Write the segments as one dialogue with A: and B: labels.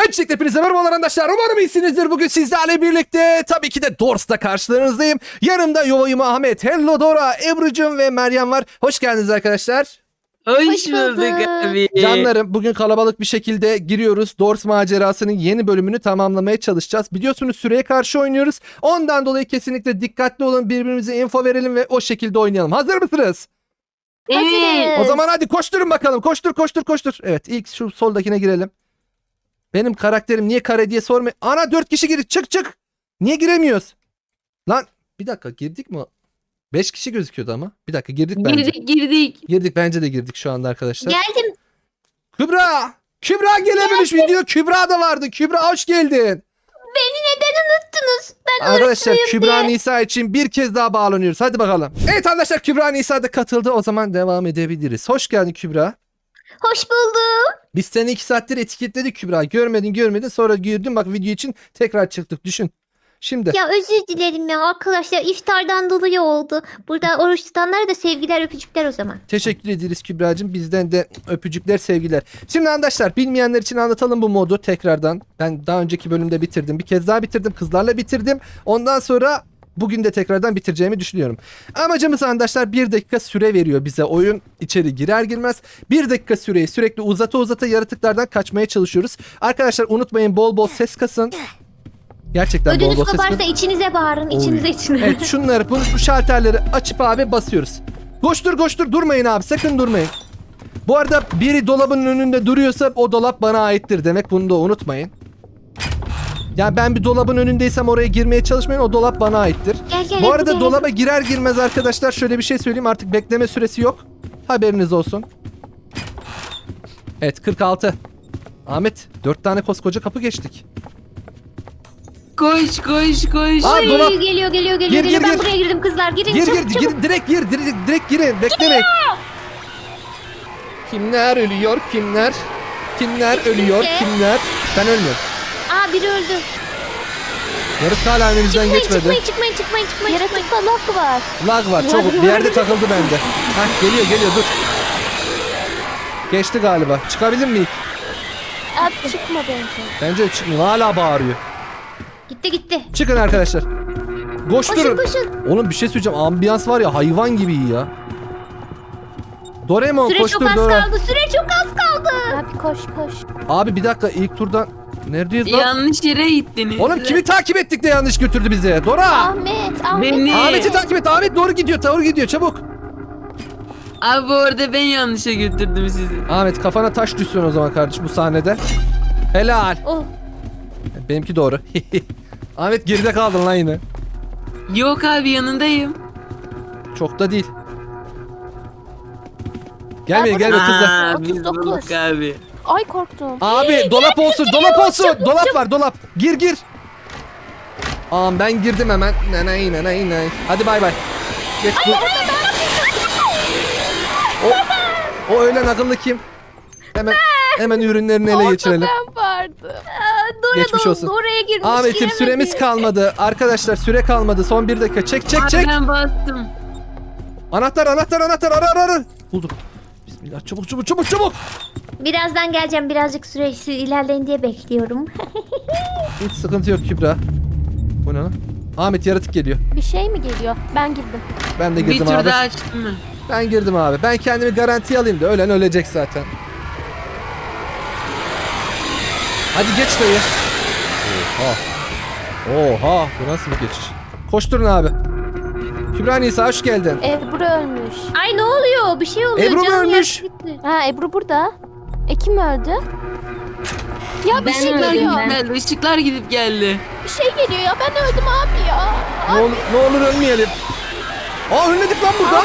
A: Öncelikle hepinize merhabalar arkadaşlar. Umarım iyisinizdir. Bugün sizlerle birlikte tabii ki de Dors'ta karşılarınızdayım. Yanımda Yuvayım Ahmet, Hello Dora, Ebru'cum ve Meryem var. Hoş geldiniz arkadaşlar.
B: Hoş bulduk abi.
A: Canlarım, bugün kalabalık bir şekilde giriyoruz. Dors macerasının yeni bölümünü tamamlamaya çalışacağız. Biliyorsunuz süreye karşı oynuyoruz. Ondan dolayı kesinlikle dikkatli olun. Birbirimize info verelim ve o şekilde oynayalım. Hazır mısınız?
B: Evet.
A: O zaman hadi koşturun bakalım. Koştur koştur koştur. Evet, ilk şu soldakine girelim. Benim karakterim niye kare diye sorma. Ana 4 kişi girdik. Çık çık. Niye giremiyoruz? Lan bir dakika, girdik mi? 5 kişi gözüküyordu ama. Bir dakika, girdik bence.
B: Girdik.
A: Girdik, bence de girdik şu anda arkadaşlar.
C: Geldim.
A: Kübra! Kübra gelememiş video. Kübra da vardı. Kübra hoş geldin.
C: Beni neden unuttunuz? Ben
A: Arkadaşlar
C: unutmayayım
A: Kübra
C: diye.
A: Nisa için bir kez daha bağlanıyoruz. Hadi bakalım. Evet arkadaşlar, Kübra Nisa da katıldı. O zaman devam edebiliriz. Hoş geldin Kübra.
C: Hoş buldum.
A: Biz seni 2 saattir etiketledik Kübra. Görmedin sonra girdin, bak video için tekrar çıktık, düşün. Şimdi
C: Ya özür dilerim ya arkadaşlar, iftardan dolayı oldu. Burada oruç tutanlara da sevgiler, öpücükler o zaman.
A: teşekkür ederiz Kübra'cığım. Bizden de öpücükler, sevgiler. Şimdi arkadaşlar, bilmeyenler için anlatalım bu modu tekrardan. Ben daha önceki bölümde bitirdim. Bir kez daha bitirdim. Kızlarla bitirdim. Ondan sonra bugün de tekrardan bitireceğimi düşünüyorum. Amacımız arkadaşlar, 1 dakika süre veriyor bize oyun, içeri girer girmez. 1 dakika süreyi sürekli uzata yaratıklardan kaçmaya çalışıyoruz. Arkadaşlar unutmayın, bol bol ses kasın. Gerçekten bol
C: Ödünüz
A: bol ses kasın.
C: koparsa içinize bağırın,
A: Oy.
C: içinize içine.
A: Evet, şunları, bu şalterleri açıp abi basıyoruz. Koştur durmayın abi, sakın durmayın. Bu arada biri dolabın önünde duruyorsa o dolap bana aittir demek, bunu da unutmayın. Yani ben bir dolabın önündeysem oraya girmeye çalışmayın, o dolap bana aittir.
C: Gel,
A: Bu arada
C: gel.
A: dolaba girer girmez arkadaşlar şöyle bir şey söyleyeyim, artık bekleme süresi yok. Haberiniz olsun. Evet, 46. Ahmet, 4 tane koskoca kapı geçtik.
B: Koş.
A: Aa,
C: Oy,
A: dolap.
C: geliyor.
A: Gir,
C: Ben
A: gir.
C: buraya girdim kızlar. Girin
A: Gir
C: çabuk, çabuk.
A: gir, direkt girin, beklemeyin. Kimler ölüyor, kimler ölüyor, kimler? Ben ölmüyorum.
C: Aa, biri öldü.
A: Yarık hala önümüzden geçmedi.
C: Çıkmayın.
D: Yaratıkta lak var.
A: Lag var, çok bir yerde takıldı bende. Hah, geliyor dur. Geçti galiba. Çıkabilir miyik?
D: Abi çıkma bence.
A: Bence de çıkmıyor. Hala bağırıyor.
C: Gitti.
A: Çıkın arkadaşlar. Koşturun.
C: Koşun.
A: Oğlum bir şey söyleyeceğim. Ambiyans var ya, hayvan gibi iyi ya. Doraemon
C: Süre
A: koştur
C: çok az
A: Dora.
C: kaldı.
D: Abi koş.
A: Abi bir dakika, ilk turdan neredeyiz lan?
B: Yanlış yere gittiniz.
A: Oğlum kimi takip ettik de yanlış götürdü bizi? Dora!
D: Ahmet.
B: Beni.
A: Ahmet'i takip et. Ahmet doğru gidiyor çabuk.
B: Abi orada ben yanlışa götürdüm sizi.
A: Ahmet, kafana taş düşsün o zaman kardeşim bu sahnede. Helal.
C: Oh.
A: Benimki doğru. Ahmet, geride kaldın lan yine.
B: Yok abi yanındayım.
A: Çok da değil. Gelmeyin kızlar.
B: Aa, biz
D: 39.
B: bulduk abi.
D: Ay korktum.
A: Abi dolap olsun. Dolap var, dolap. Gir. Ben girdim hemen. Nanay. Hadi bay. Geç bu. O ölen akıllı kim? Hemen ürünlerini ele geçirelim.
D: Ben vardım.
A: Geçmiş olsun.
C: Oraya girmiş.
A: Ahmet'im,
C: giremedi.
A: süremiz kalmadı. Arkadaşlar süre kalmadı. Son 1 dakika. Çek.
B: Abi ben bastım.
A: Anahtar. Ara. Buldum. Bismillah, çabuk.
C: Birazdan geleceğim. Birazcık süresi ilerleyin diye bekliyorum.
A: Hiç sıkıntı yok Kübra. Bu ne lan? Ahmet, yaratık geliyor.
D: Bir şey mi geliyor? Ben girdim.
A: Ben de
B: Bir
A: girdim
B: tur
A: abi.
B: daha açtım mı?
A: Ben girdim abi. Ben kendimi garantiye alayım da ölen ölecek zaten. Hadi geç dayı. Oha. Bu nasıl bir geçiş? Koşturun abi. Kübra Nisa hoş geldin.
D: Ebru ölmüş.
C: Ay ne oluyor? Bir şey oluyor.
A: Ebru mu
C: Canım
A: ölmüş?
C: yarısı gitti.
D: Ha Ebru burada. Kim öldü? Ya bir
C: Ben
D: şey
C: öldüm,
D: geliyor.
C: ben.
B: Işıklar gidip geldi.
D: Bir şey geliyor ya. Ben öldüm abi ya.
A: Ne olur ölmeyelim. Ölmedik lan burada.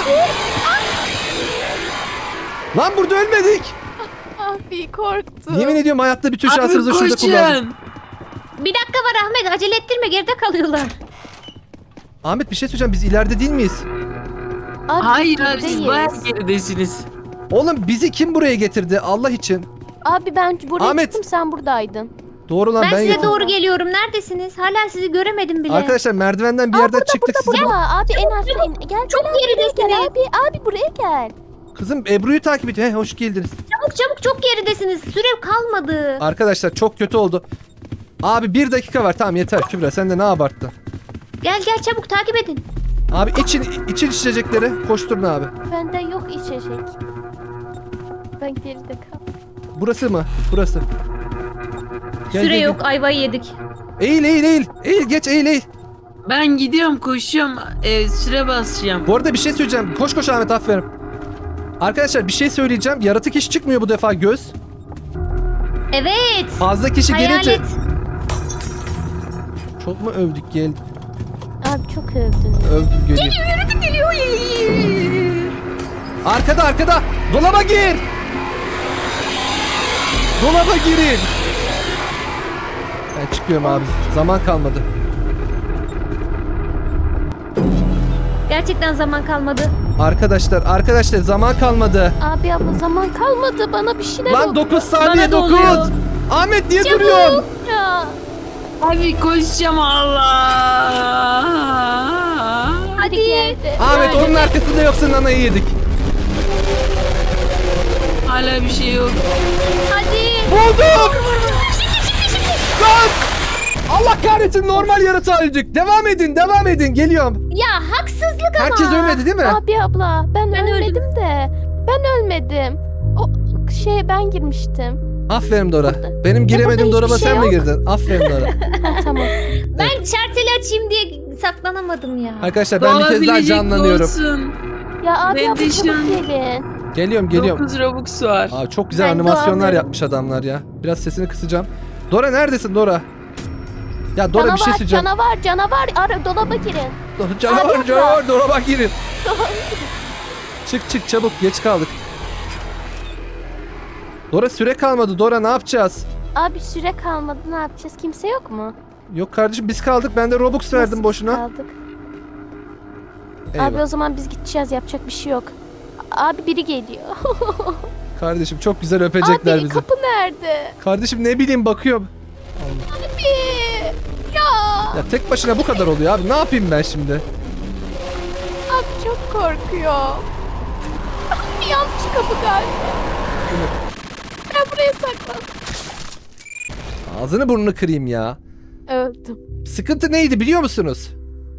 A: Lan burada ölmedik.
D: Abi korktum.
A: Yemin ediyorum hayatta bütün
B: Abi
A: şansımızı şurada kullandık.
B: koşun.
C: Bir dakika var Ahmet. Acele ettirme. Geride kalıyorlar.
A: Ahmet, bir şey söyleyeceğim, biz ileride değil miyiz?
D: Abi,
B: Hayır
D: biz
B: abi siz
D: gerideyiz.
B: bayağı geridesiniz.
A: Oğlum bizi kim buraya getirdi Allah için?
D: Abi ben buraya
A: Ahmet.
D: çıktım, sen buradaydın.
A: Doğru lan,
C: Ben
A: ben
C: size
A: getirdim.
C: doğru geliyorum. Neredesiniz? Hala sizi göremedim bile.
A: Arkadaşlar merdivenden bir yerden çıktık sizi.
D: Burada abi en aşağı in. Gel
C: Çok
D: gel abi, buraya
C: geridesiniz.
D: gel abi. Abi buraya gel.
A: Kızım Ebru'yu takip ediyor. He, hoş geldiniz.
C: Çabuk çabuk, çok geridesiniz. Süre kalmadı.
A: Arkadaşlar çok kötü oldu. Abi 1 dakika var. Tamam yeter Kübra. Sen de ne abarttın?
C: Gel gel çabuk takip edin.
A: Abi için içecekleri koşturun abi.
D: Bende yok içecek. Ben geride kaldım.
A: Burası mı? Burası. Gel,
C: Süre
A: gel,
C: yok, ayvayı yedik.
A: gel. Eğil eğil eğil. Eğil geç eğil eğil.
B: Ben gidiyorum koşuyorum. Süre basacağım.
A: Bu arada bir şey söyleyeceğim. Koş koş Ahmet aferin. Arkadaşlar bir şey söyleyeceğim. Yaratık hiç çıkmıyor bu defa göz.
C: Evet.
A: Fazla kişi gelince...
C: Hayalet.
A: Çok mu övdük gel?
D: Abi çok övdün.
A: Övdük geliyor.
C: Yaratık geliyor.
A: Arkada arkada. Dolaba gir. Dolaba girin. Ben çıkıyorum abi. Zaman kalmadı.
C: Gerçekten zaman kalmadı.
A: Arkadaşlar zaman kalmadı.
D: Abi abla zaman kalmadı. Bana bir şeyler
A: Lan
D: oldu.
A: 9 saniye
C: Bana da oluyor.
A: 9. Ahmet niye duruyorsun?
D: Ya.
B: Abi koşacağım Allah.
D: Hadi geldi.
A: Ahmet
D: Yani
A: onun arkasında yoksa nanayı yedik.
B: Hala bir şey yok.
C: Hadi.
A: Bulduk. Lan! Allah kahretsin normal yaratığa öldük. Devam edin geliyorum.
C: Ya haksızlık ama.
A: Herkes ölmedi değil mi?
D: Abi abla ben
C: Ben
D: ölmedim de. Ben ölmedim. O ben girmiştim.
A: Aferin Dora. Benim giremediğim
D: burada
A: dolaba
D: hiçbir
A: sen
D: şey
A: mi
D: yok.
A: girdin? Aferin Dora.
D: Ha, tamam.
C: Ben şarteli açayım diye saklanamadım ya.
A: Arkadaşlar ben bir kez daha
B: Doğabilecek
A: canlanıyorum.
B: olsun.
D: Ya abi
B: Ben
D: abla
B: de
D: çabuk
B: şu an-
D: gelin.
A: Geliyorum.
B: 9 Robux var.
A: Aa, çok güzel
C: Ben
A: animasyonlar
C: doğamıyorum.
A: yapmış adamlar ya. Biraz sesini kısacağım. Dora neredesin Dora? Ya Dora bir şey söyleyeceğim.
D: Canavar. Ara dolaba girin.
A: Canavar Dora bak girin. Çık çabuk geç kaldık. Dora süre kalmadı. Dora ne yapacağız?
D: Abi süre kalmadı. Ne yapacağız? Kimse yok mu?
A: Yok kardeşim biz kaldık. Ben de Robux verdim
D: Nasıl
A: boşuna.
D: kaldık?
A: Eyvah.
D: Abi o zaman biz gideceğiz. Yapacak bir şey yok. Abi biri geliyor.
A: Kardeşim çok güzel öpecekler
D: Abi
A: bizi.
D: kapı nerede?
A: Kardeşim ne bileyim bakıyorum.
D: Abi. Ya.
A: Ya tek başına bu kadar oluyor abi. Ne yapayım ben şimdi?
D: Abi çok korkuyor. Abi yanlış kapı galiba. Ben buraya saklandım.
A: Ağzını burnunu kırayım ya.
D: Öldüm.
A: Sıkıntı neydi biliyor musunuz?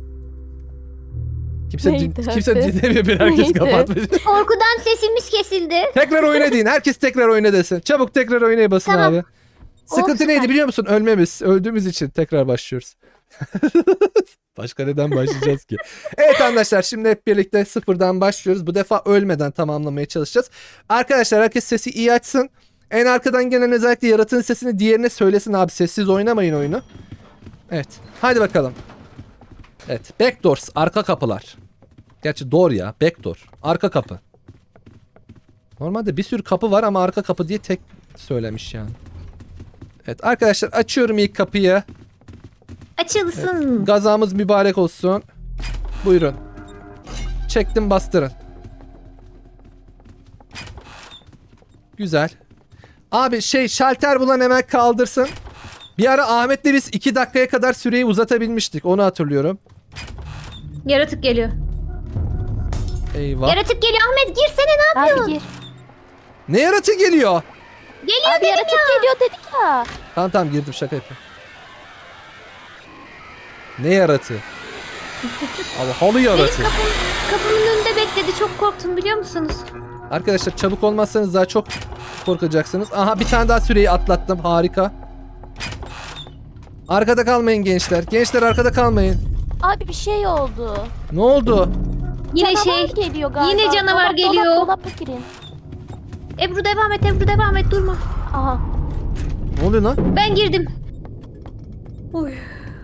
A: Kimse
D: Neydi
A: kimse
D: abi?
A: dinlemiyor bir herkes
D: Neydi?
A: kapatmış.
C: Korkudan sesimiz kesildi.
A: Tekrar oyna deyin. Herkes tekrar oyna desin. Çabuk tekrar oynaya basın
C: Tamam.
A: abi. Sıkıntı
C: süper.
A: neydi biliyor musun? Ölmemiz. Öldüğümüz için tekrar başlıyoruz. Başka neden başlayacağız ki? Evet arkadaşlar şimdi hep birlikte sıfırdan başlıyoruz. Bu defa ölmeden tamamlamaya çalışacağız. Arkadaşlar herkes sesi iyi açsın. En arkadan gelen özellikle yaratığın sesini diğerine söylesin abi. Sessiz oynamayın oyunu. Evet. Hadi bakalım. Evet. Backdoors. Arka kapılar. Gerçi door ya. Backdoor. Arka kapı. Normalde bir sürü kapı var ama arka kapı diye tek söylemiş yani. Evet arkadaşlar açıyorum ilk kapıyı.
C: Açılsın.
A: Gazamız mübarek olsun. Buyurun. Çektim bastırın. Güzel. Abi şalter bulan hemen kaldırsın. Bir ara Ahmet'le biz 2 dakikaya kadar süreyi uzatabilmiştik. Onu hatırlıyorum.
C: Yaratık geliyor.
A: Eyvah.
C: Yaratık geliyor, Ahmet girsene, ne yapıyorsun?
D: Abi gir.
A: Ne yaratığı geliyor?
C: Geliyor
D: Abi
C: dedim
D: yaratık
C: ya.
D: geliyor dedik ya.
A: Tamam girdim şaka yapıyorum. Ne yaratığı? Abi halı yaratığı.
C: Kapımın önünde bekledi, çok korktum biliyor musunuz?
A: Arkadaşlar çabuk olmazsanız daha çok korkacaksınız. Aha bir tane daha süreyi atlattım. Harika. Arkada kalmayın gençler. Gençler arkada kalmayın.
D: Abi bir şey oldu.
A: Ne oldu?
C: Yine
D: Canavar geliyor galiba.
C: yine canavar geliyor.
D: Dolaba girin.
C: Ebru devam et durma.
D: Aha.
A: Ne oluyor lan?
C: Ben girdim. Oy.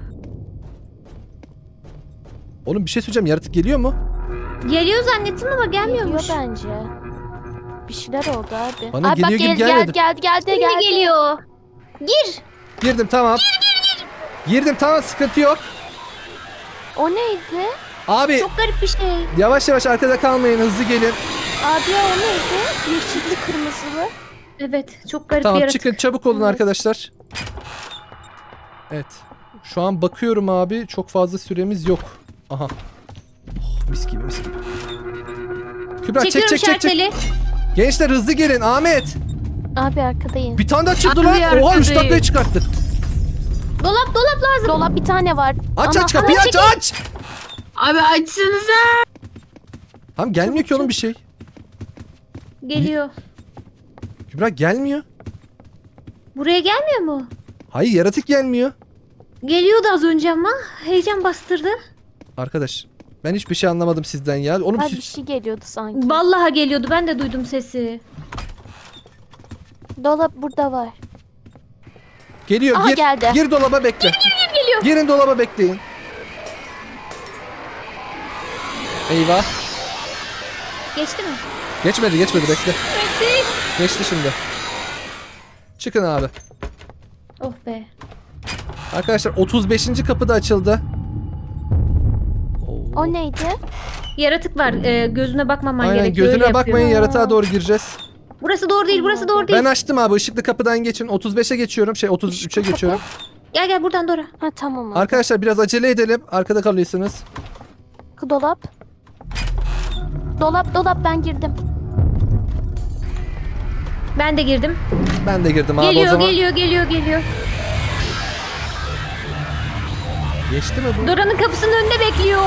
A: Oğlum bir şey söyleyeceğim. Yaratık geliyor mu?
C: Geliyor zannettim ama
D: Geliyor
C: gelmiyormuş.
D: bence. Bir şeyler oldu abi.
A: Bana
D: abi bak
A: geliyor gibi gelmedi.
D: geldi.
C: Yine geliyor. Gir.
A: Girdim tamam. Girdim tamam sıkıntı yok.
D: O neydi?
A: Abi
C: Çok garip bir şey.
A: yavaş yavaş arkada kalmayın. Hızlı gelin.
D: Abi ya o neydi? Yeşilli kırmızılı.
C: Evet, çok garip bir
A: Tamam
C: yaratık.
A: çıkın çabuk olun
D: Evet.
A: arkadaşlar. Evet. Şu an bakıyorum abi. Çok fazla süremiz yok. Aha. Oh, mis gibi mis gibi. Kübra çek
C: Çekiyorum
A: çek çek çek.
C: şarteli.
A: Gençler hızlı gelin Ahmet.
D: Abi arkadayım.
A: Bir tane daha çıktı
B: Abi
A: lan. Oha 3
B: arkadayım.
A: dakikaya çıkarttık.
C: Dolap lazım.
D: Dolap bir tane var.
A: Aç
D: Ama-
A: aç kapıyı aç aç.
B: Abi açsanıza.
A: Tamam gelmiyor ki oğlum bir şey.
C: Geliyor.
A: Kübra gelmiyor.
C: Buraya gelmiyor mu?
A: Hayır yaratık gelmiyor.
C: Geliyordu az önce ama. Heyecan bastırdı.
A: Arkadaş ben hiçbir şey anlamadım sizden ya. Oğlum
D: Abi bir
A: siz...
D: şey geliyordu sanki.
C: Vallahi geliyordu. Ben de duydum sesi.
D: Dolap burada var.
A: Geliyor
D: Aha,
A: gir.
D: geldi.
A: Gir dolaba bekle.
C: Geliyor.
A: Girin dolaba bekleyin. Eyvah.
C: Geçti mi?
A: Geçmedi bekle.
C: Geçti.
A: Geçti şimdi. Çıkın abi.
C: Oh be.
A: Arkadaşlar 35. kapı da açıldı. Oo.
D: O neydi?
C: Yaratık var. Gözüne bakmaman
A: Aynen
C: gerekiyor.
A: gözüne
C: öyle
A: bakmayın
C: yapıyor.
A: yaratığa doğru gireceğiz.
C: Burası doğru değil. Burası doğru değil.
A: Ben açtım abi ışıklı kapıdan geçin. 35'e geçiyorum. 33'e
D: Işıklı
A: geçiyorum.
C: Gel buradan Dora.
D: Ha tamam abi.
A: Arkadaşlar biraz acele edelim. Arkada kalıyorsunuz.
D: Dolap. Dolap ben girdim.
C: Ben de girdim.
A: Ben de girdim abi o
C: Geliyor
A: zaman.
C: geliyor.
A: Geçti mi bu?
C: Dora'nın kapısının önünde bekliyor.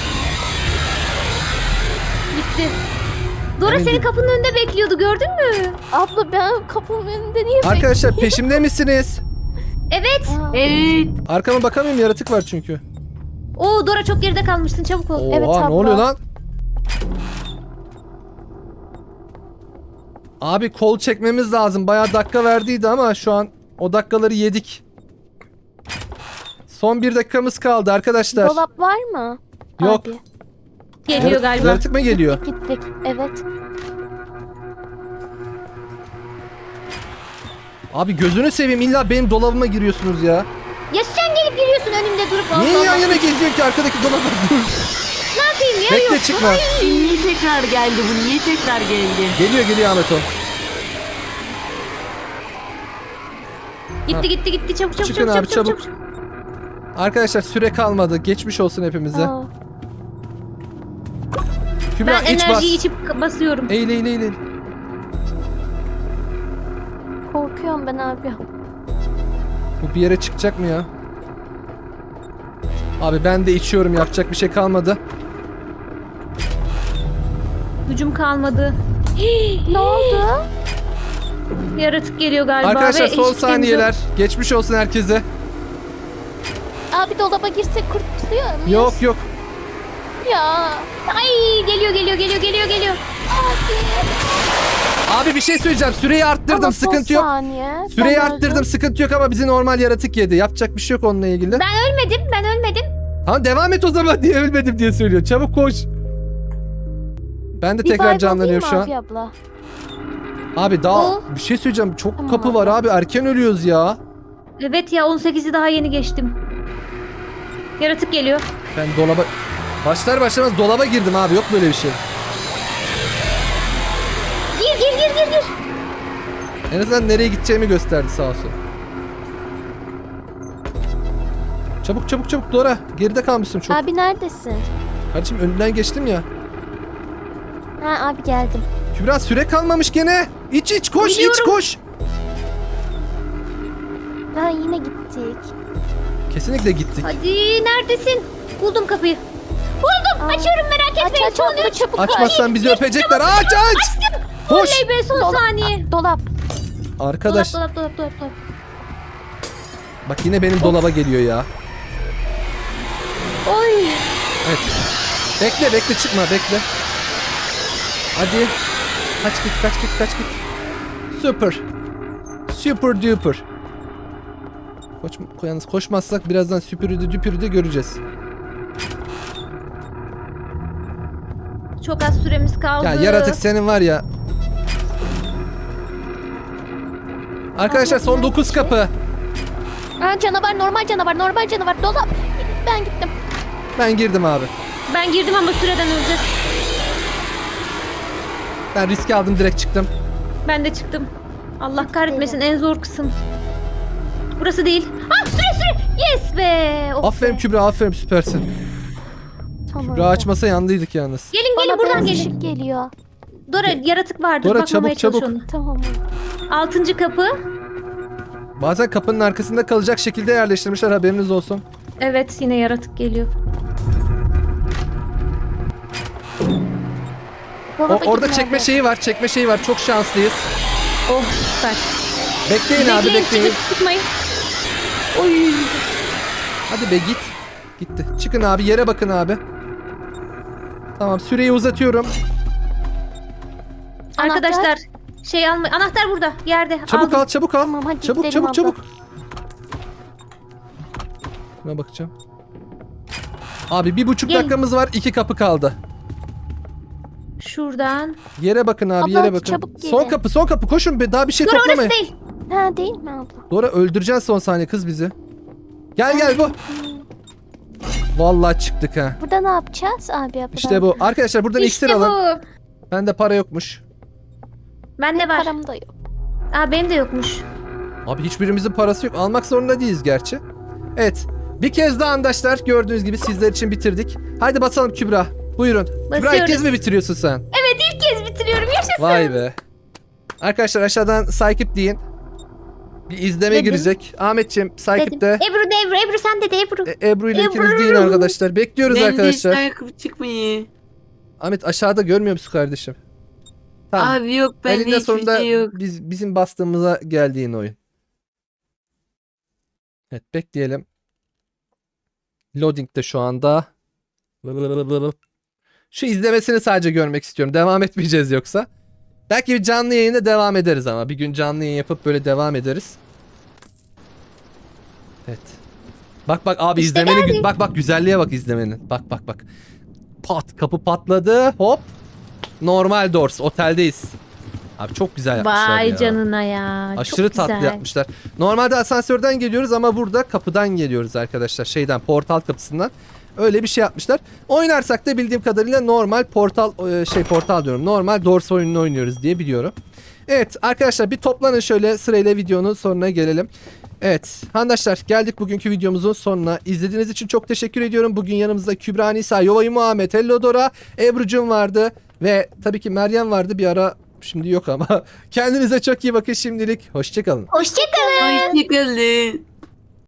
C: Gitti. Dora
A: Emin
C: senin
A: değilim.
C: kapının önünde bekliyordu gördün mü?
D: Abla ben kapımın önünde niye
A: Arkadaşlar peşimde misiniz?
C: Evet.
D: Aa,
B: Evet.
A: Arkama bakamıyorum yaratık var çünkü.
C: Oo Dora çok geride kalmışsın çabuk ol.
A: Oha
D: Evet,
A: ne
D: abla.
A: oluyor lan? Abi kol çekmemiz lazım. Bayağı dakika verdiydi ama şu an o dakikaları yedik. Son 1 dakikamız kaldı arkadaşlar.
D: Dolap var mı?
A: Yok.
D: Abi.
C: Geliyor galiba.
A: Yaratık mı geliyor?
D: Gittik. Evet.
A: Abi gözünü seveyim illa benim dolabıma giriyorsunuz ya.
C: Ya sen gelip giriyorsun önümde durup.
A: Niye
C: Allah
A: yan
C: Allah.
A: yana geziyor ki arkadaki dolaba?
C: Ne yapayım ya
A: Bekle
C: yok.
A: çıkma.
B: Niye tekrar geldi bu? Niye tekrar geldi?
A: Geliyor Ahmet o.
C: Gitti çabuk
A: Çıkın abi, çabuk. Arkadaşlar süre kalmadı. Geçmiş olsun hepimize.
D: Aa,
A: Kübra
C: Ben
A: iç bas.
C: enerjiyi içip basıyorum.
A: Eğil.
D: korkuyorum ben abi.
A: Bu bir yere çıkacak mı ya? Abi ben de içiyorum yapacak bir şey kalmadı.
C: Gücüm kalmadı.
D: Ne oldu?
C: Yaratık geliyor galiba.
A: Arkadaşlar
C: ve
A: son
C: hiç
A: saniyeler. Geçmiş olsun herkese.
D: Abi dolaba girsek kurtuluyor muyuz?
A: Yok.
D: Ya.
C: Ay geliyor.
A: Abi bir şey söyleyeceğim. Süreyi arttırdım.
D: Ama son
A: Sıkıntı yok.
D: saniye.
A: Süreyi
D: Ben
A: arttırdım.
D: öldüm.
A: Sıkıntı yok ama bizi normal yaratık yedi. Yapacak bir şey yok onunla ilgili.
C: Ben ölmedim.
A: Tamam devam et o zaman diye ölmedim diye söylüyor. Çabuk koş. Ben de
D: Bir
A: tekrar
D: vibe
A: canlanıyorum şu an.
D: alayım mı abi abla?
A: Abi daha
C: O.
A: bir şey söyleyeceğim. Çok
D: Tamam
A: kapı
D: abi.
A: var abi. Erken ölüyoruz ya.
C: Evet ya 18'i daha yeni geçtim. Yaratık geliyor.
A: Ben dolaba... Başlar başlamaz dolaba girdim abi. Yok böyle bir şey.
C: Gir.
A: En azından nereye gideceğimi gösterdi sağ olsun. Çabuk Dora. Geride kalmışsın çok.
D: Abi neredesin?
A: Kardeşim önünden geçtim ya.
D: Ha abi geldim.
A: Kübra süre kalmamış gene. İç koş
C: Biliyorum.
A: iç koş.
D: Ha yine gittik.
A: Kesinlikle gittik.
C: Hadi neredesin? Buldum kapıyı. Buldum.
D: Aa.
C: Açıyorum merak etmeyin.
D: Aç abla çabuk
A: Açmazsan bizi öpecekler. Aç. Koş.
C: Oley be son saniye.
D: Dolap.
A: Arkadaş
C: Dolap.
A: bak yine benim dolaba geliyor ya.
C: Oy.
A: Evet. Bekle çıkma bekle. Hadi. Kaç git. Super duper. Yalnız koşmazsak birazdan süpürüde göreceğiz.
C: Çok az süremiz kaldı.
A: Ya yaratık senin var ya. Arkadaşlar son 9 kapı.
D: Ha canavar normal canavar dolap. Ben gittim.
A: Ben girdim abi.
C: Ben girdim ama süreden öleceğiz.
A: Ben riski aldım direkt çıktım.
C: Ben de çıktım. Allah kahretmesin en zor kısım. Burası değil. Ah süre. Yes be. Oh
A: Aferin
C: be.
A: Kübra aferin süpersin.
D: Tamam.
A: Kübra açmasa yandıydık yalnız.
C: Gelin
D: Bana
C: buradan
D: beyaz
C: gelin.
D: ışık geliyor.
C: Dora yaratık vardır.
A: Dora,
C: Bakmamaya
A: çabuk,
C: çalış onu.
D: Tamam.
C: 6. kapı.
A: Bazen kapının arkasında kalacak şekilde yerleştirmişler, haberiniz olsun.
C: Evet yine yaratık geliyor.
D: Dolaba
A: Orada
D: gidin
A: çekme
D: abi.
A: şeyi var, çekme şeyi var. Çok şanslıyız.
C: Oh süper.
A: Bekleyin abi, bekleyin.
C: Çıkmayın. Oy.
A: Hadi be git. Gitti. Çıkın abi, yere bakın abi. Tamam, süreyi uzatıyorum.
C: Arkadaşlar şey alma. Anahtar burada yerde.
A: Çabuk
C: Aldım.
A: al, çabuk al.
D: Tamam, hadi
A: Çabuk,
D: gidelim
A: çabuk,
D: abla.
A: çabuk. Şuna bakacağım. Abi 1,5
C: Gel.
A: dakikamız var. 2 kapı kaldı.
C: Şuradan.
A: Yere bakın abi,
D: Abla,
A: yere
D: hadi
A: bakın.
D: çabuk gelin.
A: Son kapı, son kapı. Koşun be, daha bir şey
C: Dur orası
A: toplamayın.
C: değil.
D: Ha değil mi abla?
A: Dora, öldüreceksin son saniye kız bizi. Gel gel bu. Vallahi çıktık ha.
D: Burada ne yapacağız abi abla?
A: İşte bu. Arkadaşlar buradan iksir
C: İşte
A: alın.
C: bu.
A: Bende para yokmuş.
C: Bende var.
D: Param da yok.
C: Aa benim de yokmuş.
A: Abi hiçbirimizin parası yok. Almak zorunda değiliz gerçi. Evet. Bir kez daha arkadaşlar, gördüğünüz gibi sizler için bitirdik. Haydi basalım Kübra. Buyurun. Kübra ilk
C: Basıyoruz.
A: kez mi bitiriyorsun sen?
C: İlk kez bitiriyorum. Yaşasın.
A: Vay be. Arkadaşlar aşağıdan Saykip deyin. Bir izleme
C: Dedim.
A: girecek. Ahmetciğim Saykip de.
C: Ebru de Ebru. Ebru sen de Ebru.
A: Ebru ile ikiniz
C: Ebru.
A: deyin arkadaşlar. Bekliyoruz
B: Ben de
A: arkadaşlar.
B: işte ayakkabı çıkmıyor.
A: Ahmet aşağıda görmüyor musun kardeşim? Tamam.
B: Abi yok bende
A: Elinde
B: hiçbir
A: sonunda
B: şey yok.
A: bizim bastığımıza geldiğin oyun. Evet, bekleyelim. Loading de şu anda. Şu izlemesini sadece görmek istiyorum. Devam etmeyeceğiz yoksa. Belki bir canlı yayında devam ederiz ama. Bir gün canlı yayın yapıp böyle devam ederiz. Evet. Bak bak abi,
C: İşte
A: izlemenin bak bak, güzelliğe bak izlemenin. Bak bak bak. Pat, kapı patladı. Hop. Normal doors. Oteldeyiz. Abi çok güzel yapmışlar
C: Vay
A: ya.
C: canına ya.
A: Aşırı
C: Çok
A: tatlı
C: güzel.
A: yapmışlar. Normalde asansörden geliyoruz ama burada kapıdan geliyoruz arkadaşlar. Şeyden, portal kapısından. Öyle bir şey yapmışlar. Oynarsak da bildiğim kadarıyla normal portal diyorum. Normal Doors oyununu oynuyoruz diye biliyorum. Evet arkadaşlar, bir toplanın şöyle sırayla, videonun sonuna gelelim. Evet arkadaşlar, geldik bugünkü videomuzun sonuna. İzlediğiniz için çok teşekkür ediyorum. Bugün yanımızda Kübra Nisa, Yovay Muhammed, Hello Dora, Ebru'cum vardı. Ve tabii ki Meryem vardı bir ara. Şimdi yok ama. Kendinize çok iyi bakın şimdilik. Hoşçakalın.
C: Hoşçakalın.
B: Hoşçakalın.